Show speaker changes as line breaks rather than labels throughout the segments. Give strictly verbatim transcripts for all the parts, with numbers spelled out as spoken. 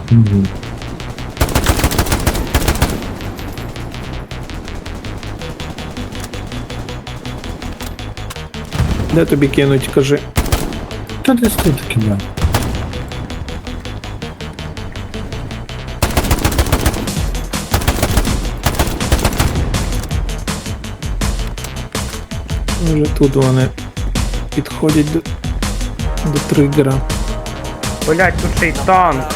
Угу.
Де тобі кинуть, кажи.
Та десь тут таки, да.
Вже тут вони підходять до, до тригера.
Блять, тут ще й танк.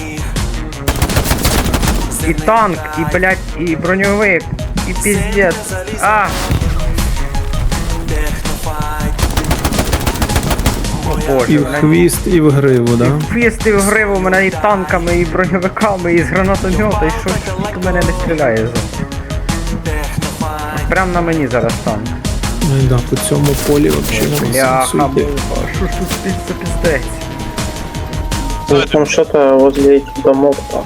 І танк, і, блять, і броньовик, і піздець. А! О боже,
І в
мене...
хвіст, і в гриву, да?
Хвіст і в гриву мене і танками, і броньовиками, і з гранатомета, і що ж тут мене не стріляє за. Прям на мені зараз танк.
Ну і да, по цьому полі взагалі не
Бляха,
сенсу йти.
муха, що ж тут спиться піздець?
Ну, там что-то возле этих домов там.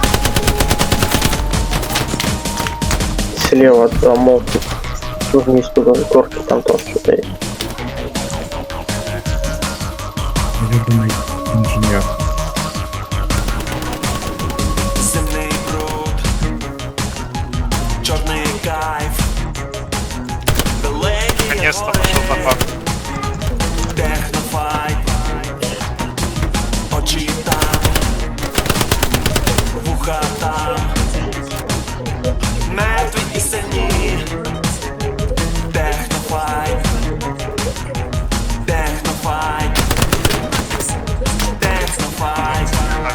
Слева от домов. Вниз туда, горки, там тоже что-то есть.
Любимий інженер.
Земний бруд, чорний кайф, далекі
Наконец-то
гори,
пошел напад.
технофайт, очі там, вуха там, мертві і сильні, технофайт, технофайт, технофайт.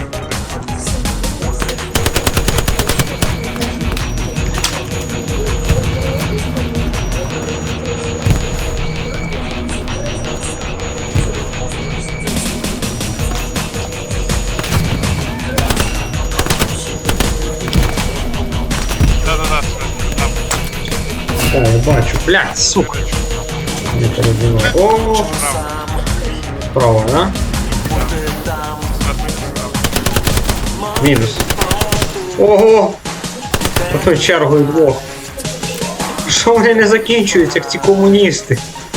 Да-да-да, там.
О, я бачу. Блядь, сука. Не перебивай. О, справа, да? Мінус. Ого! Ото чергою двох. Що вони не закінчуються, як ці комуністи?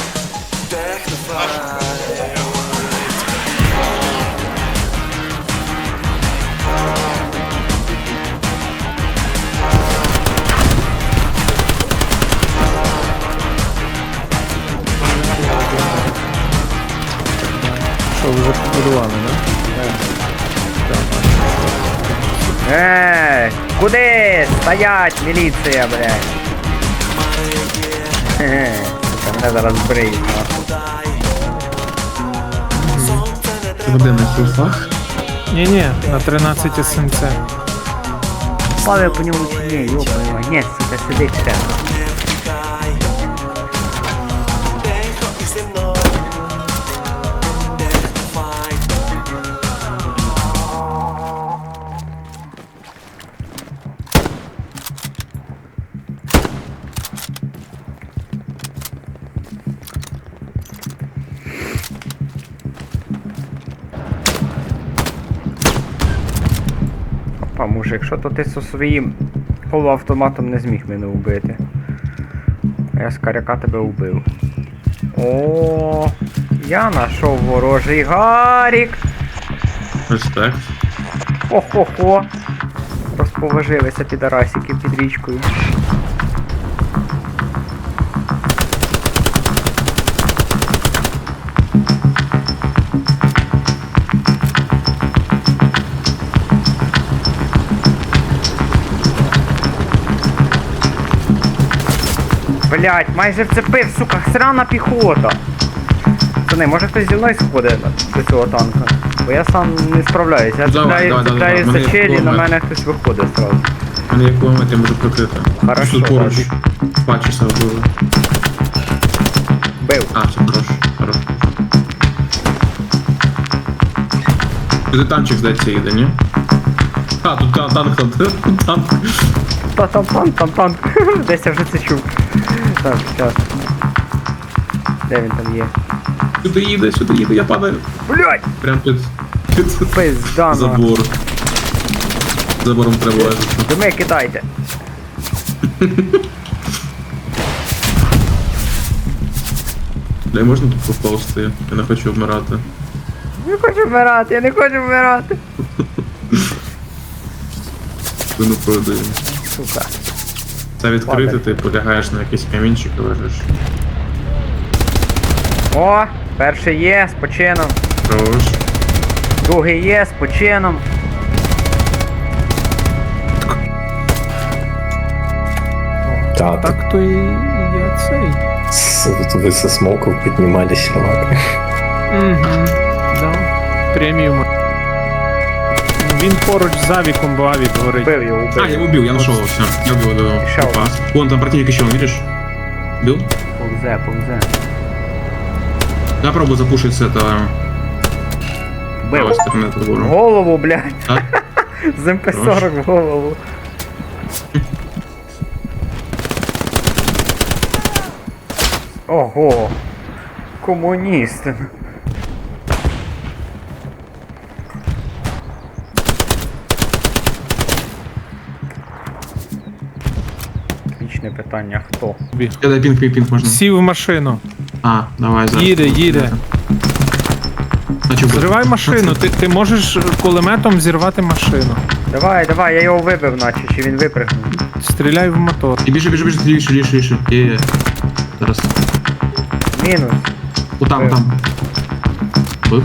Що, вже побудували, да?
Ей, куди? Стоять, міліція, блядь. Хе-хе, сука, мене зараз бриють, нахуй.
Води на кульфах?
Ні-ні, на тринадцять ес ем це.
Славя по ньому чи ні, йопа, ні, сука, сидить ще. Опа, мужик, що то ти зі своїм полуавтоматом не зміг мене вбити. А я з каряка тебе вбив. О, я знайшов ворожий гарік.
Респект.
Хо-хо-хо. Розповажилися підарасики під річкою. Блять, майже вцепив, сука, срана піхота. Пацани, може хтось зі мною сходить до цього танка? Бо я сам не справляюсь. Я
Давай,
цепляю,
давай, давай,
цепляю
давай.
за
Мене
челі, на
кулемет.
мене хтось виходить сразу.
У мене є кулемет, я можу прикрити.
Хорошо,
Тут поруч.
так.
Бачишся вбили.
Бив.
А, все, хорош. Хорош. Туди танчик, здається, їде, ні? А, тут та- танк, там, танк.
Та там танк, там танк. Десь я вже це чув. Так, зараз. Де він там є?
Сюди їде, сюди їде, я падаю.
Блять!
Прям під, під
Пизда,
забор. Забором треба лежати.
Дими кидайте.
Бля, можна тут поповзти? Я не хочу вмирати.
Не хочу вмирати, я не хочу вмирати.
спину продаю.
Сука.
Це відкрити,
Ладно.
ти полягаєш на якийсь камінчик і лежиш.
О, перший є, з почином.
Хорош.
Другий є, з почином.
Да, так.
Так то і я цей.
С- Вы со смоков поднимались, ладно.
Угу. Да. Преміум. Він поруч з Авіком, бо Авік горить.
Бив його,
А, я
убив.
его убил, я нашел его, все. Я убил его.
Еще
Опа.
один.
Вон там противник еще, видишь? Бил?
Повзе, повзе.
Я пробую запушить с этого
Бив.
правой стороны этого
В
гора.
голову, блядь.
А?
З ем пе сорок в голову. Ого. Комуніст. Отличне питання, хто?
Я дай пинг, пинг, пинг можно.
Сів в машину.
А, давай, зараз.
Їде, їде.
А чё,
Зривай машину, ти, ти можеш кулеметом зірвати машину.
Давай, давай, я його вибив, наче, чи він випрыгнув.
Стріляй в мотор.
И бежи, бежи, бежи, лишь, лишь, лишь. Е, зараз.
Мінус.
Вот там,
Бив.
там. Бив?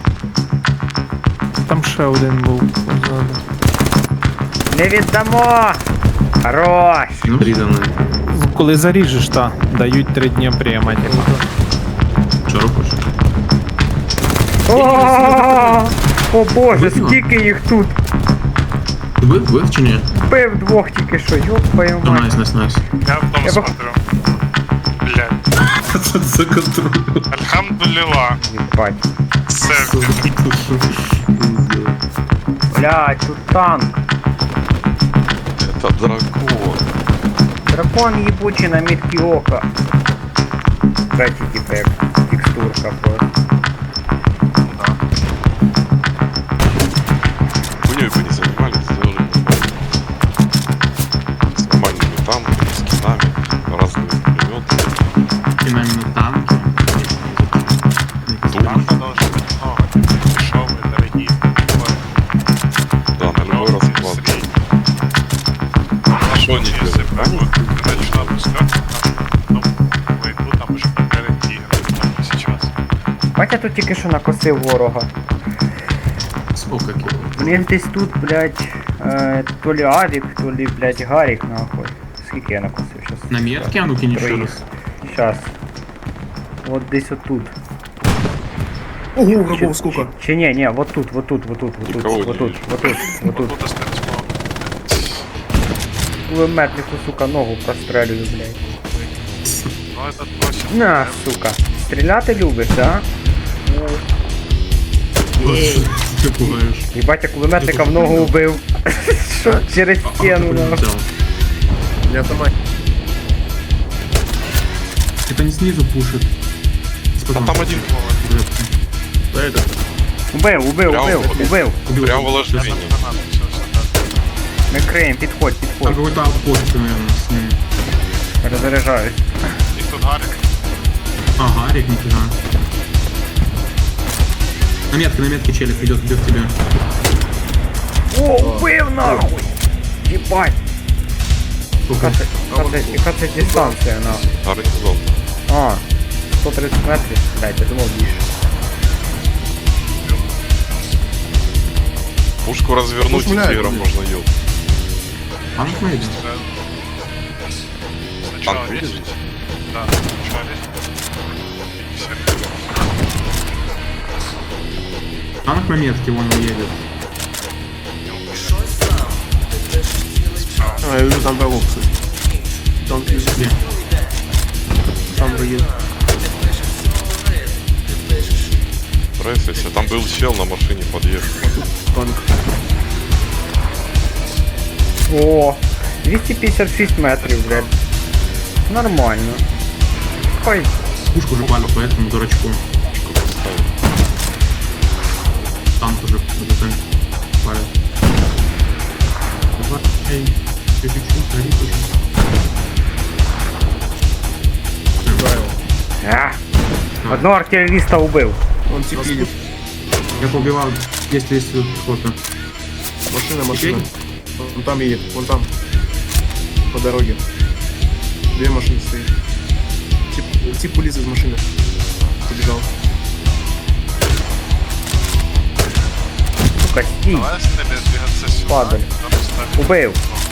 Там ще один був позаду.
Не віддамо! Хорош!
Ну, приданий.
Коли заріжеш, та, дають три дні прямо. типу.
Що робиш?
О, О боже,
Видно?
скільки їх тут!
Ти бив, бив чи ні?
Бив двох тільки що, ёб твою
Ну,
мать.
найс, найс, найс.
Я в дом
Я бы-
смотрю. Блядь.
Це за контроль.
Альхамдулилла.
Єбать.
Серфер.
Блядь, тут танк.
Это дракон.
Дракон ебучий на мітки ока. Кстати, типа як текстурка просто.
Хуйней бы не занимались, сделали бы с нормальными танками, скинами, разными пулеметами.
Кінами на танки.
Танка должно быть много. Дешевые, дорогие.
Да, на любой расклад. Что они
Если
делают?
бы я начну опускать, ну, войду, там уже конкуренты играют там сейчас.
Батя тут тільки що накосив ворога.
Сколько кіло?
Блін, десь тут, блядь, е, то лі Авік, то лі, блядь, Гарік, нахуй. Скільки я накосив щас?
На метке, а ну кинь еще
Троих.
раз.
Щас. От десь отут.
Ого,
Чи-
врагов сколько.
Чи, чи ні, ні, вот тут, вот тут, вот тут, вот тут,
Никого не
вот тут,
вижу.
вот тут, вот тут.
Буду достать смог.
Кулеметнику, сука, ногу прострелюю, блядь.
Ну этот просит.
На, сука. Стріляти любиш, да?
Ты пугаешь.
Єбать, я кулеметника в ногу убив. Що через стіну, нахуй.
Взял.
Я автомат.
Это не снизу пушит.
А там один
Да это.
Убив, убив,
Прямо
убив,
вот.
убив.
прям в ложении.
Гранату, все, все,
Ми криємо, підходь,
Там
підходь.
какой-то аутпост, наверное, с ним.
Роззаряджаюсь.
да. И тут Гарик.
А, Гарик, нифига. На метке, на метке челик идет, идет к тебе.
О, убив нахуй! Єбать!
Сколько?
Яка це, яка це, яка це дистанція, нахуй?
Горизонт.
А, сто тридцять метрів? Блядь, я думав більше.
Пушку развернуть
Пусть
веером
мляет.
можно ел.
Танк выйдет.
Сначала
Танк
есть?
видишь?
Да, сначала есть. Все.
Танк на метке, вон он едет.
А, я вижу там врагов, кстати. Там вижу.
Где?
Там враги.
Если там был чел на машине подъехал.
Танк.
О, двісті п'ятдесят шість метрів, блядь. Нормально. Ой,
Пушку уже палят по этому дурачку.
Пушку поставил.
Танк уже ДТ палят. Давай, эй, чуть-чуть, гори, чуть-чуть.
а. Одного артилеріста убив.
Он теплит.
Я поубивал, если есть кто-то.
Машина, машина.
Вон там едет, вон там. По дороге. Две машины стоит. Тип, тип вылез из машины. Побежал.
Сука, стій.
Давай с ними двигаться сюда.
Падаль.
Надо ставить.
Убив,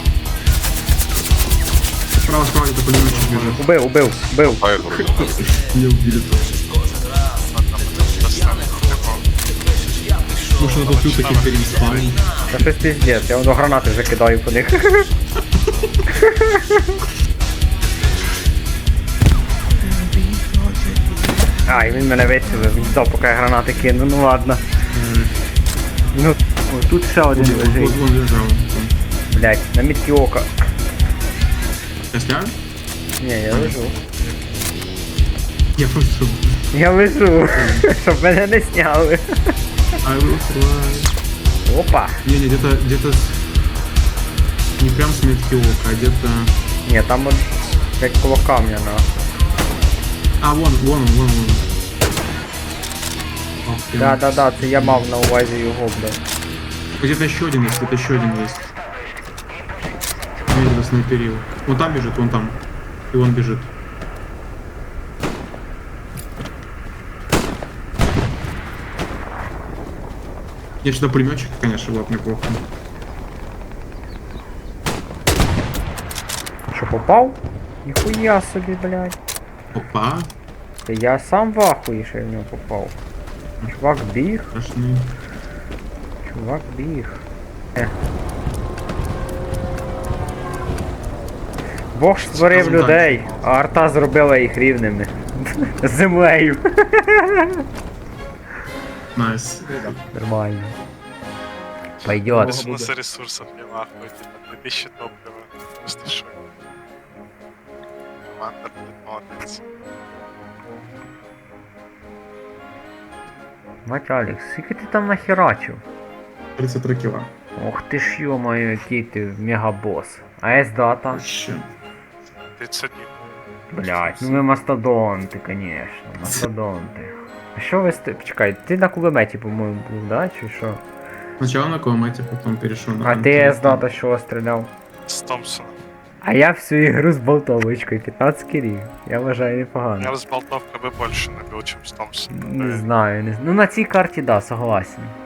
Справа, справа где-то пулеметчик бежит.
убив, убив, убив.
А это вроде так.
Не убили тоже. Может, надо тут таким переспавнить.
Та щось піздець, я воно гранати вже кидаю по них. Ай, він мене вистрілив, він здав, поки я гранати кину, ну ладно. Ну, о, тут ще один
Вот,
лежить.
вот, он лежал.
Блять, на мітки ока.
Я снял?
Ні, я лежу.
Я просто...
Я лежу, щоб мене не сняли.
I will fly.
Опа.
Не, не, где-то, где-то... с- Не прям с метки ока, а где-то...
Ні, там от як коло камня на.
А, вон, вон он, вон он. Ох, ты.
Да, да, да, це я мав на увазі його, блядь.
Где-то еще один есть, где-то еще один есть. Я где-то снайперил. Вон там бежит, вон там. И он бежит. Я сюда пулеметчик, конечно, было бы неплохо.
Що попав? Ніхуя собі, блядь.
Опа,
Та я сам в ахуї, що я в нього попав. Чувак біг,
страшный.
чувак біг. Е. Бог ж створив
Скажем так.
людей, а арта зробила їх рівними. З землею.
Найс.
Нормально. Пойдет.
Без у нас ресурсов не нахуй, типа, две тысячи топлива. Просто шо. Команда, блядь, молодец.
Мать Алекс, скільки ти там нахерачив?
тридцать три кило.
Ох ти ж йо-моє, який ти мегабос. А С-дата?
Вообще.
тридцать один.
Блять, ну ми мастодонти, конечно, мастодонти. А що ви сте... Почекай, ти на кулеметі, по-моєму, був, да? Чи що?
Сначала на кулемете, потом перешел на...
А ти С-дата що стріляв?
С Томпсоном.
А я всю ігру з болтовочкою, п'ятнадцять кілів. Я вважаю
Я
непогано.
с болтовкой бы больше набил, чем с Томпсоном.
Не знаю, не знаю. Ну на цій карті, да, согласен.